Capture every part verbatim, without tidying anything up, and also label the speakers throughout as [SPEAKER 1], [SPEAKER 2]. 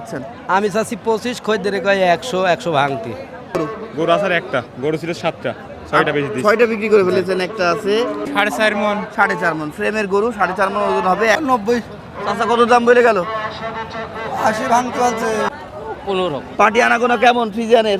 [SPEAKER 1] চাচ্ছেন?
[SPEAKER 2] আমি চাচ্ছি পঁচিশ, খদ্দের কয় একশো, একশো ভাঙতি।
[SPEAKER 3] গরু আসার একটা, গরু ছিল সাতটা, ছয়টা বেশি দিচ্ছি।
[SPEAKER 1] ছয়টা বিক্রি করে ফেলেছেন, একটা আছে
[SPEAKER 3] সাড়ে চার মন।
[SPEAKER 1] সাড়ে চার মন ফ্রেমের গরু, সাড়ে চার মন ওজন হবে। নব্বই। চাচা কত দাম বলে গেল?
[SPEAKER 2] আশি ভাঙতি আছে। পনেরো।
[SPEAKER 1] পাটি আনাগোনা কেমন ফ্রিজিয়ানের?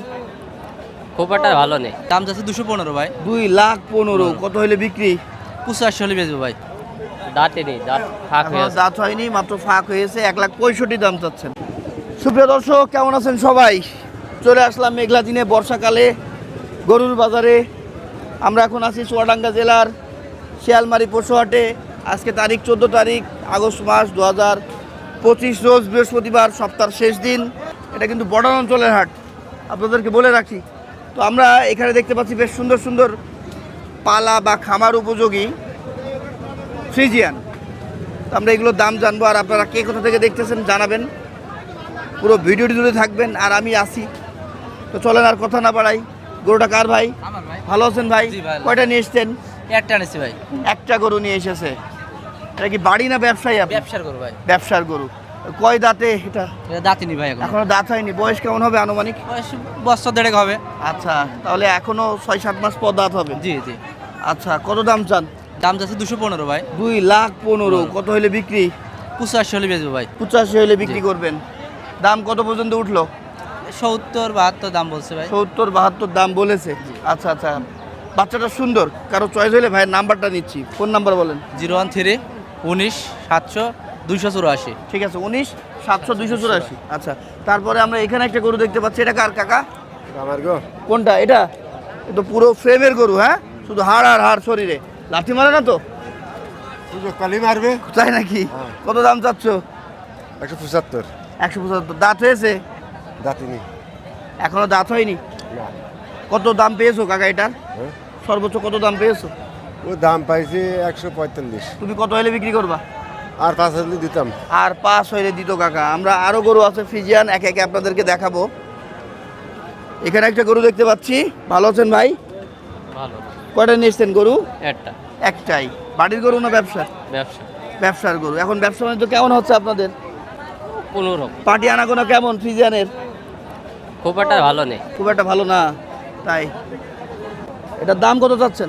[SPEAKER 2] খুব একটা ভালো নেই। দাম যাচ্ছে দুশো পনেরো ভাই।
[SPEAKER 1] দুই লাখ পনেরো। কত হলে বিক্রি?
[SPEAKER 2] পঁচাশি হলে বেচবো ভাই। দাঁতে নেই, দাঁত ফাঁক হয়ে
[SPEAKER 1] এখনো
[SPEAKER 2] আছে।
[SPEAKER 1] দাঁত হয়নি, মাত্র ফাঁক হয়েছে। এক লাখ পঁয়ষট্টি দাম চাচ্ছেন। সুপ্রিয় দর্শক, কেমন আছেন সবাই? চলে আসলাম মেঘলা দিনে বর্ষাকালে গরুর বাজারে। আমরা এখন আছি চুয়াডাঙ্গা জেলার শিয়ালমারি পশুহাটে। আজকে তারিখ চোদ্দো তারিখ আগস্ট মাস দু হাজার পঁচিশ, রোজ বৃহস্পতিবার, সপ্তাহের শেষ দিন। এটা কিন্তু বর্ডার অঞ্চলের হাট, আপনাদেরকে বলে রাখি। তো আমরা এখানে দেখতে পাচ্ছি বেশ সুন্দর সুন্দর পালা বা খামার উপযোগী ফ্রিজিয়ান। তো আমরা এগুলোর দাম জানবো, আর আপনারা কে কোথা থেকে দেখতেছেন জানাবেন। পুরো ভিডিওটি জুড়ে থাকবেন, আর আমি আসি। তো চলেন আর কথা না বাড়াই। গরুটা কার ভাই?
[SPEAKER 2] আমার ভাই।
[SPEAKER 1] ভালো আছেন ভাই?
[SPEAKER 2] জি ভাই।
[SPEAKER 1] কয়টা নিয়ে এসছেন?
[SPEAKER 2] একটা আনেছি ভাই।
[SPEAKER 1] একটা গরু নিয়ে এসেছে। এটা কি বাড়ি না ব্যবসায়ী আপনি?
[SPEAKER 2] ব্যবসার করো ভাই।
[SPEAKER 1] ব্যবসার গরু। কয় দাঁতে এটা?
[SPEAKER 2] এটা দাঁতি নি ভাই এখন।
[SPEAKER 1] এখনো দাঁত হয়নি। বয়স কেমন হবে আনুমানিক?
[SPEAKER 2] বয়স বছর দেড়েক হবে।
[SPEAKER 1] আচ্ছা, তাহলে এখনো ছয় সাত মাস পর দাঁত হবে।
[SPEAKER 2] জি জি।
[SPEAKER 1] আচ্ছা, কত দাম চান?
[SPEAKER 2] দাম যাচ্ছে দুশো পনেরো ভাই।
[SPEAKER 1] দুই লাখ পনেরো। কত হলে বিক্রি?
[SPEAKER 2] পঁচাশি হলে বেচবো ভাই।
[SPEAKER 1] পঁচাশি হলে বিক্রি করবেন। দাম কত পর্যন্ত উঠলো?
[SPEAKER 2] সত্তর বাহাত্তর দাম বলছে ভাই।
[SPEAKER 1] সত্তর বাহাত্তর দাম বলেছে। আচ্ছা আচ্ছা, বাচ্চাটা সুন্দর। কারো চয়েস হলে ভাইয়ের নাম্বারটা নিচ্ছি। ফোন নাম্বার বলেন।
[SPEAKER 2] জিরো ওয়ান থ্রি উনিশ সাতশো দুইশো চুরাশি।
[SPEAKER 1] ঠিক আছে, উনিশ সাতশো দুইশো চুরাশি। আচ্ছা, তারপরে আমরা এখানে একটা গরু দেখতে পাচ্ছি। এটা কার কাকা?
[SPEAKER 3] আমার গো
[SPEAKER 1] কোনটা এটা? এ তো পুরো ফ্রেমের গরু। হ্যাঁ, শুধু হাড় আর হাড় শরীরে, লাঠি মারে না তো?
[SPEAKER 3] সুযোগ কালি মারবে।
[SPEAKER 1] তাই নাকি? কত দাম চাচ্ছ?
[SPEAKER 3] একশো পঁচাত্তর।
[SPEAKER 1] একশো পঁচাত্তর। দাঁত হয়েছে?
[SPEAKER 3] দাঁতিনি
[SPEAKER 1] এখনো দাঁত হয়নি।
[SPEAKER 3] না।
[SPEAKER 1] কত দাম পেয়েছো কাকা এটার?
[SPEAKER 3] হ্যাঁ?
[SPEAKER 1] সর্বোচ্চ কত দাম পেয়েছো?
[SPEAKER 3] ও দাম পাইছে একশো পঁয়তাল্লিশ।
[SPEAKER 1] তুমি কত হলে বিক্রি করবা?
[SPEAKER 3] আর পাঁচ হাজার দিতাম।
[SPEAKER 1] আর পাঁচ হইলে দিত কাকা। আমরা আরো গরু আছে ফ্রিজিয়ান, একে একে আপনাদেরকে দেখাবো। এখানে একটা গরু দেখতে পাচ্ছি। ভালো আছেন ভাই?
[SPEAKER 2] ভালো।
[SPEAKER 1] কয়টা নিয়ে এসছেন গরু?
[SPEAKER 2] একটা।
[SPEAKER 1] একটাই। বাড়ির গরু না ব্যবসা?
[SPEAKER 2] ব্যবসা।
[SPEAKER 1] ব্যবসার গরু। এখন ব্যবসা বাণিজ্য কেমন হচ্ছে আপনাদের?
[SPEAKER 2] পনেরো।
[SPEAKER 1] পাটি আনাগোনা কেমন ফ্রিজিয়ানের?
[SPEAKER 2] খুব একটা ভালো নেই।
[SPEAKER 1] খুব একটা ভালো না। তাই এটার দাম কত চাচ্ছেন?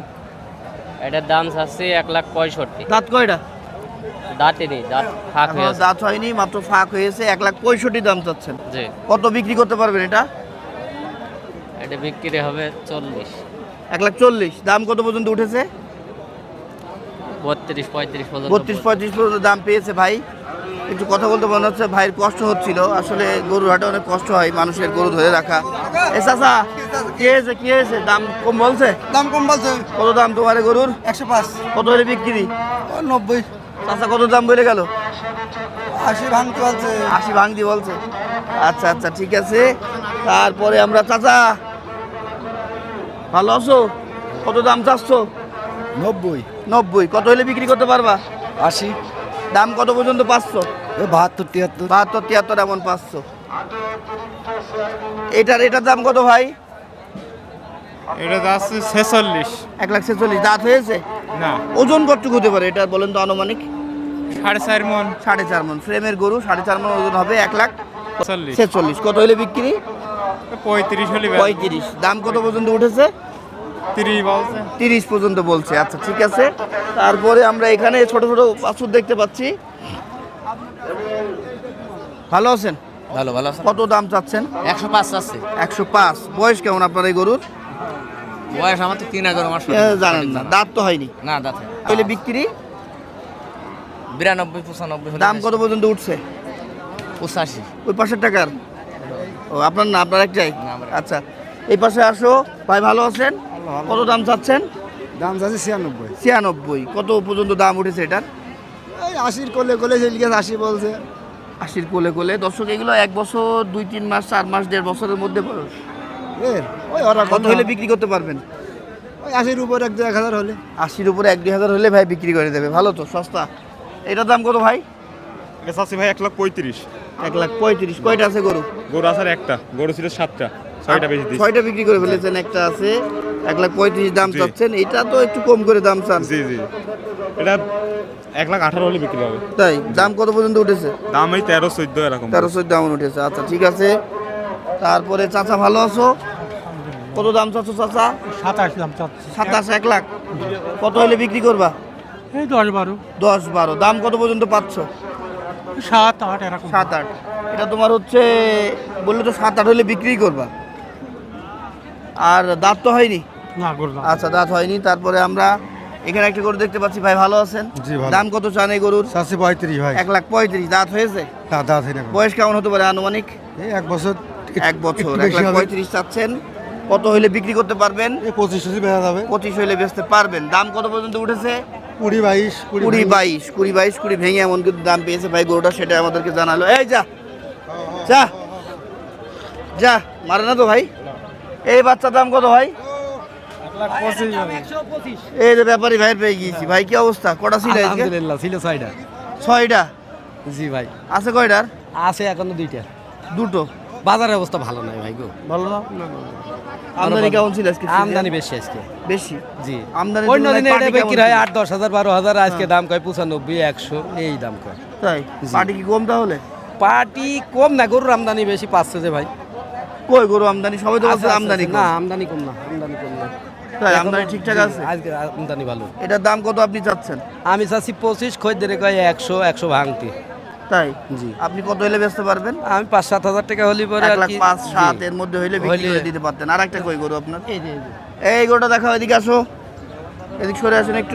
[SPEAKER 2] এটার দাম চাচ্ছি এক লাখ পঁয়ষট্টি।
[SPEAKER 1] দাঁত কয়টা?
[SPEAKER 2] দাঁতে নেই, দাঁত ফাঁক হয়ে
[SPEAKER 1] এখনো
[SPEAKER 2] আছে।
[SPEAKER 1] দাঁত হয়নি, মাত্র ফাঁক হয়েছে। এক লাখ পঁয়ষট্টি দাম চাচ্ছেন।
[SPEAKER 2] জি।
[SPEAKER 1] কত বিক্রি করতে পারবেন এটা?
[SPEAKER 2] এটা বিক্রি হবে চল্লিশ।
[SPEAKER 1] এক লাখ চল্লিশ। দাম কত পর্যন্ত উঠেছে?
[SPEAKER 2] বত্রিশ পঁয়ত্রিশ পর্যন্ত।
[SPEAKER 1] বত্রিশ পঁয়ত্রিশ পর্যন্ত দাম পেয়েছে ভাই। একটু কথা বলতে মনে হচ্ছে ভাইয়ের কষ্ট হচ্ছিল। আসলে গরুর হাটে অনেক কষ্ট হয় মানুষের গরু ধরে রাখা। এ চাচা, কি হয়েছে কি হয়েছে? দাম কম বলছে?
[SPEAKER 4] দাম কম বলছে।
[SPEAKER 1] কত দাম তোমার এ গরুর?
[SPEAKER 4] একশো পাঁচ।
[SPEAKER 1] কত হলে বিক্রি?
[SPEAKER 4] নব্বই।
[SPEAKER 1] চাচা কত দাম বলে গেল?
[SPEAKER 4] আশি ভাঙতে বলছে।
[SPEAKER 1] আশি ভাঙতি বলছে। আচ্ছা আচ্ছা, ঠিক আছে। তারপরে আমরা, চাচা ভালো আছো? কত দাম চাচ্ছ?
[SPEAKER 4] নব্বই।
[SPEAKER 1] নব্বই। কত হলে বিক্রি করতে পারবা?
[SPEAKER 4] আশি।
[SPEAKER 1] দাম কত পর্যন্ত পাচ্ছ?
[SPEAKER 4] বাহাত্তর তিয়াত্তর।
[SPEAKER 1] বাহাত্তর তিয়াত্তর এমন পাঁচশো। এটার এটার দাম কত ভাই?
[SPEAKER 3] এটা যাচ্ছে ছেচল্লিশ।
[SPEAKER 1] এক লাখ ছেচল্লিশ। দাঁত হয়েছে?
[SPEAKER 3] না,
[SPEAKER 1] ওজন কতটুকু হতে পারে এটা বলেন তো আনুমানিক?
[SPEAKER 3] সাড়ে চার মন।
[SPEAKER 1] সাড়ে চার মন ফ্রেমের গরু, সাড়ে চার মন ওজন হবে। এক লাখ
[SPEAKER 3] চল্লিশ।
[SPEAKER 1] ছেচল্লিশ। কত হলে বিক্রি?
[SPEAKER 3] পঁয়ত্রিশ হলে
[SPEAKER 1] পঁয়ত্রিশ। দাম কত পর্যন্ত উঠেছে?
[SPEAKER 3] তিরিশ বলছে।
[SPEAKER 1] তিরিশ পর্যন্ত বলছে। আচ্ছা, ঠিক আছে। তারপরে আমরা এখানে ছোট ছোট বাছুর দেখতে পাচ্ছি। ভালো আছেন?
[SPEAKER 2] ভালো ভালো আছে।
[SPEAKER 1] কত দাম চাচ্ছেন?
[SPEAKER 2] একশো পাঁচ আছে।
[SPEAKER 1] একশো পাঁচ। বয়স কেমন আপনার এই গরুর?
[SPEAKER 2] বয়স আমার তো তিন হাজার মাস।
[SPEAKER 1] এ, জানেন না, দাঁত তো হয়নি।
[SPEAKER 2] না দাঁতে।
[SPEAKER 1] তাহলে বিক্রি?
[SPEAKER 2] বিরানব্বই পঁচানব্বই।
[SPEAKER 1] দাম কত পর্যন্ত উঠছে?
[SPEAKER 2] পঁচাশি।
[SPEAKER 1] ওই পাশের টাকার? ও আপনার না, আপনার একটাই?
[SPEAKER 2] না, আমার।
[SPEAKER 1] আচ্ছা, এই পাশে আসো। ভাই ভালো আছেন? কত দাম চাচ্ছেন?
[SPEAKER 4] দাম যাচ্ছে ছিয়ানব্বই।
[SPEAKER 1] ছিয়ানব্বই। কত পর্যন্ত দাম উঠেছে এটার?
[SPEAKER 4] এই আশির কোলে কোলে সেদিকে আশি বলছে।
[SPEAKER 1] আশির কোলে কোলে। দর্শক, এগুলো এক বছর, দুই তিন মাস, চার মাস, দেড় বছরের মধ্যে বয়স।
[SPEAKER 4] এর ওই ওরা
[SPEAKER 1] কত হলে বিক্রি করতে পারবেন?
[SPEAKER 4] ওই আশির উপর এক দু এক হাজার হলে।
[SPEAKER 1] আশির উপরে এক দুই হাজার হলে ভাই বিক্রি করে দেবে। ভালো তো, সস্তা। এটার দাম কত ভাই?
[SPEAKER 3] এটা চাচ্ছি ভাই এক লাখ পঁয়ত্রিশ।
[SPEAKER 1] এক লাখ পঁয়ত্রিশ। কয়টা আছে গরু?
[SPEAKER 3] গরু আসার একটা, গরু ছিল সাতটা, ছয়টা বেশি দিচ্ছি।
[SPEAKER 1] ছয়টা বিক্রি করে ফেলেছেন, একটা আছে। এক লাখ পঁয়ত্রিশ দাম
[SPEAKER 3] জি।
[SPEAKER 1] চাচ্ছেন, এটা তো একটু কম করে দাম চান।
[SPEAKER 3] জি জি এটা এক লাখ আঠারো হলে বিক্রি হবে।
[SPEAKER 1] তাই দাম কত পর্যন্ত উঠেছে?
[SPEAKER 3] দাম এই তেরো চোদ্দ এরকম।
[SPEAKER 1] তেরো চোদ্দ দাম উঠেছে। আচ্ছা ঠিক আছে। তারপরে চাচা ভালো আছো? কত দাম চাচ্ছ চাচা?
[SPEAKER 5] সাতাশ দাম চাচ্ছি
[SPEAKER 1] সাতাশ, এক লাখ। কত হলে বিক্রি করবা?
[SPEAKER 5] এই দশ বারো
[SPEAKER 1] দশ বারো। দাম কত পর্যন্ত পাচ্ছ?
[SPEAKER 5] সাত আট এরকম
[SPEAKER 1] সাত আট। এটা তোমার হচ্ছে বললে তো সাত আট হলে বিক্রি করবা। আর দাঁত তো হয়নি?
[SPEAKER 5] না করলাম
[SPEAKER 1] আচ্ছা দাঁত হয়নি। তারপরে আমরা এখানে একটা গরু দেখতে পাচ্ছি, ভাই ভালো আছেন?
[SPEAKER 4] জি, ভালো।
[SPEAKER 1] দাম কত চান এই গরুর?
[SPEAKER 4] চাষি পঁয়ত্রিশ ভাই।
[SPEAKER 1] এক লাখ পঁয়ত্রিশ। দাঁত হয়েছে?
[SPEAKER 4] না দাঁত হয় না।
[SPEAKER 1] বয়স কেমন হতে পারে আনুমানিক?
[SPEAKER 4] এই এক বছর
[SPEAKER 1] এক বছর। এক লাখ পঁয়ত্রিশ চাচ্ছেন। কত হইলে বিক্রি করতে পারবেন?
[SPEAKER 4] এই পঁচিশ টচিশ বেড়া যাবে।
[SPEAKER 1] পঁচিশ হইলে বেচতে পারবেন। দাম কত পর্যন্ত উঠেছে?
[SPEAKER 4] কুড়ি বাইশ
[SPEAKER 1] কুড়ি বাইশ। কুড়ি বাইশ কুড়ি ভেঙে এমন কিন্তু দাম পেয়েছে ভাই গরুটা, সেটা আমাদেরকে জানালো। এই যা যা যা মারে না তো ভাই। এই বাচ্চার দাম কত ভাই? এই যে ব্যাপারী ভাইয়ের পেয়ে গিয়েছি। ভাই কি অবস্থা? কটা ছিল আজকে?
[SPEAKER 6] আলহামদুলিল্লাহ ছিল ছয়টা।
[SPEAKER 1] ছয়টা।
[SPEAKER 6] জি ভাই
[SPEAKER 1] আছে কয়টার?
[SPEAKER 6] আছে এখনো দুইটা।
[SPEAKER 1] দুটো।
[SPEAKER 6] বাজারের অবস্থা ভালো নয় ভাই গো।
[SPEAKER 1] ভালো না? আমদানি কেমন ছিল আজকে?
[SPEAKER 6] আমদানি বেশি আজকে।
[SPEAKER 1] বেশি।
[SPEAKER 6] জি
[SPEAKER 1] আমদানি
[SPEAKER 6] অন্য দিনে
[SPEAKER 1] তুলনায়
[SPEAKER 6] এটা
[SPEAKER 1] পাটি
[SPEAKER 6] বিক্রি
[SPEAKER 1] কেমন
[SPEAKER 6] হয়
[SPEAKER 1] ছিল?
[SPEAKER 6] আট দশ হাজার বারো হাজার, আজকে দাম কয় পঁচানব্বই একশো এই দাম কয়।
[SPEAKER 1] তাই
[SPEAKER 6] জি।
[SPEAKER 1] পাটি কি কম তাহলে?
[SPEAKER 6] পাটি কম না, গরুর আমদানি বেশি পাচ্ছে যে ভাই।
[SPEAKER 1] কই গরু আমদানি? সবাই তো
[SPEAKER 6] আছে,
[SPEAKER 1] বলছে
[SPEAKER 6] আছে,
[SPEAKER 1] আমদানি
[SPEAKER 6] আছে।
[SPEAKER 1] কম।
[SPEAKER 6] না আমদানি কম না, আমদানি কম না।
[SPEAKER 1] তাই
[SPEAKER 6] এখনো-
[SPEAKER 1] আমদানি ঠিকঠাক
[SPEAKER 6] জি,
[SPEAKER 1] আছে?
[SPEAKER 6] আজকে আমদানি ভালো।
[SPEAKER 1] এটার দাম কত আপনি চাচ্ছেন?
[SPEAKER 6] আমি চাচ্ছি পঁচিশ, খদ্দের কয় একশো একশো ভাঙতি।
[SPEAKER 1] তাই
[SPEAKER 6] জি
[SPEAKER 1] আপনি কত হইলে বেচতে পারবেন?
[SPEAKER 6] আমি পাঁচ সাত হাজার টাকা হলে পরে
[SPEAKER 1] এক
[SPEAKER 6] আর
[SPEAKER 1] লাখ
[SPEAKER 6] কি।
[SPEAKER 1] পাঁচ
[SPEAKER 6] জি।
[SPEAKER 1] সাত এর মধ্যে হইলে বিক্রি
[SPEAKER 6] হইলে-
[SPEAKER 1] করে দিতে পারতেন। আর একটা কই গরু আপনার?
[SPEAKER 6] এই যে, এই যে।
[SPEAKER 1] এই গরুটা দেখাও, এদিকে আসো, এদিক সরে আসেন একটু।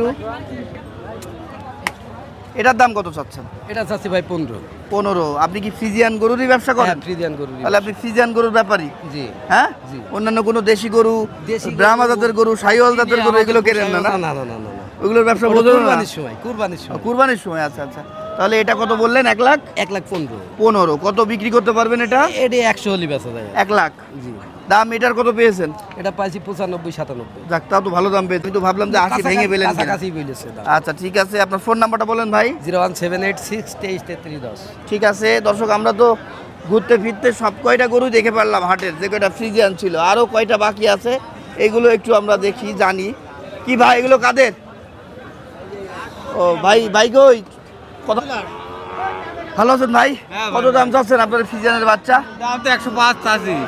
[SPEAKER 1] এটার দাম কত চাচ্ছেন?
[SPEAKER 6] এটা চাচ্ছি ভাই পনেরো।
[SPEAKER 1] পনেরো। আপনি কি ফ্রিজিয়ান গরুরই ব্যবসা করেন?
[SPEAKER 6] হ্যাঁ, ফ্রিজিয়ান গরু।
[SPEAKER 1] তাহলে আপনি ফ্রিজিয়ান গরুর ব্যাপারী?
[SPEAKER 6] জি
[SPEAKER 1] হ্যাঁ।
[SPEAKER 6] জি।
[SPEAKER 1] অন্যান্য কোনো দেশি গরু,
[SPEAKER 6] দেশি গরু-
[SPEAKER 1] ব্রাহ্মা জাতের গরু, সাইওয়াল জাতের গরু এগুলো কেনেন না?
[SPEAKER 6] না
[SPEAKER 1] না
[SPEAKER 6] না না না না না।
[SPEAKER 1] ওগুলোর ব্যবসা
[SPEAKER 6] ওটা
[SPEAKER 1] বোঝেন না?
[SPEAKER 6] কুরবানির সময়, কুরবানির সময়।
[SPEAKER 1] কুরবানির সময়। আচ্ছা আচ্ছা। তাহলে এটা কত বললেন? এক লাখ
[SPEAKER 6] এক লাখ পনেরো।
[SPEAKER 1] পনেরো। কত বিক্রি করতে পারবেন এটা?
[SPEAKER 6] এটা একশো হলি বেচা যায়।
[SPEAKER 1] এক লাখ।
[SPEAKER 6] জি
[SPEAKER 1] দাম এটার কত পেয়েছেন?
[SPEAKER 6] এটা পাইছি পঁচানব্বই সাতানব্বই।
[SPEAKER 1] যাক, তাও তো ভালো দাম পেয়েছি। আমি তো ভাবলাম যে আশি ভেঙে পেলেন কিনা।
[SPEAKER 6] কাছাকাছি বলেছে দাম।
[SPEAKER 1] আচ্ছা ঠিক আছে। আপনার ফোন নাম্বারটা বলেন ভাই।
[SPEAKER 6] Zero one seven eight six তেইশ তেত্রিশ দশ।
[SPEAKER 1] ঠিক আছে দর্শক, আমরা তো ঘুরতে ফিরতে সব কয়টা গরু দেখে পারলাম হাটের, যে কয়টা ফ্রিজিয়ান ছিল। আরও কয়টা বাকি আছে এগুলো একটু আমরা দেখি, জানি। কি ভাই এগুলো কাদের? ও ভাই, ভাই কই কত? ভালো আছেন ভাই? কত দাম চাচ্ছেন আপনার ফ্রিজিয়ানের বাচ্চা?
[SPEAKER 2] দাম তো একশো পাঁচ চাষি।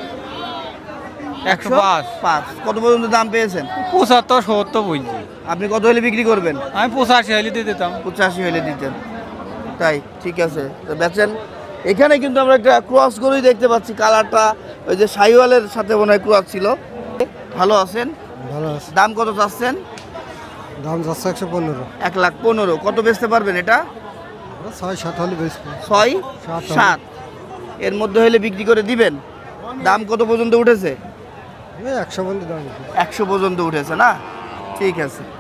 [SPEAKER 2] একশো পাঁচ।
[SPEAKER 1] পাঁচ। কত পর্যন্ত দাম পেয়েছেন?
[SPEAKER 2] পঁচাত্তর সত্তর বলছি।
[SPEAKER 1] আপনি কত হলে বিক্রি করবেন?
[SPEAKER 2] আমি পঁচাশি হলে দিয়ে দিতাম।
[SPEAKER 1] পঁচাশি হলে দিতেন। তাই ঠিক আছে, তো বেচেন। এখানে কিন্তু আমরা একটা ক্রস গরুই দেখতে পাচ্ছি, কালারটা ওই যে সাইওয়ালের সাথে মনে হয় ক্রস ছিল। ভালো আছেন?
[SPEAKER 4] ভালো আছে।
[SPEAKER 1] দাম কত চাচ্ছেন?
[SPEAKER 4] দাম যাচ্ছে একশো পনেরো।
[SPEAKER 1] এক লাখ পনেরো। কত বেচতে পারবেন এটা?
[SPEAKER 4] ছয় সাত হলে বেশি।
[SPEAKER 1] ছয়
[SPEAKER 4] সাত।
[SPEAKER 1] সাত এর মধ্যে হলে বিক্রি করে দিবেন। দাম কত পর্যন্ত উঠেছে?
[SPEAKER 4] একশো বন্ধু দাম।
[SPEAKER 1] একশো পর্যন্ত উঠেছে না? ঠিক আছে।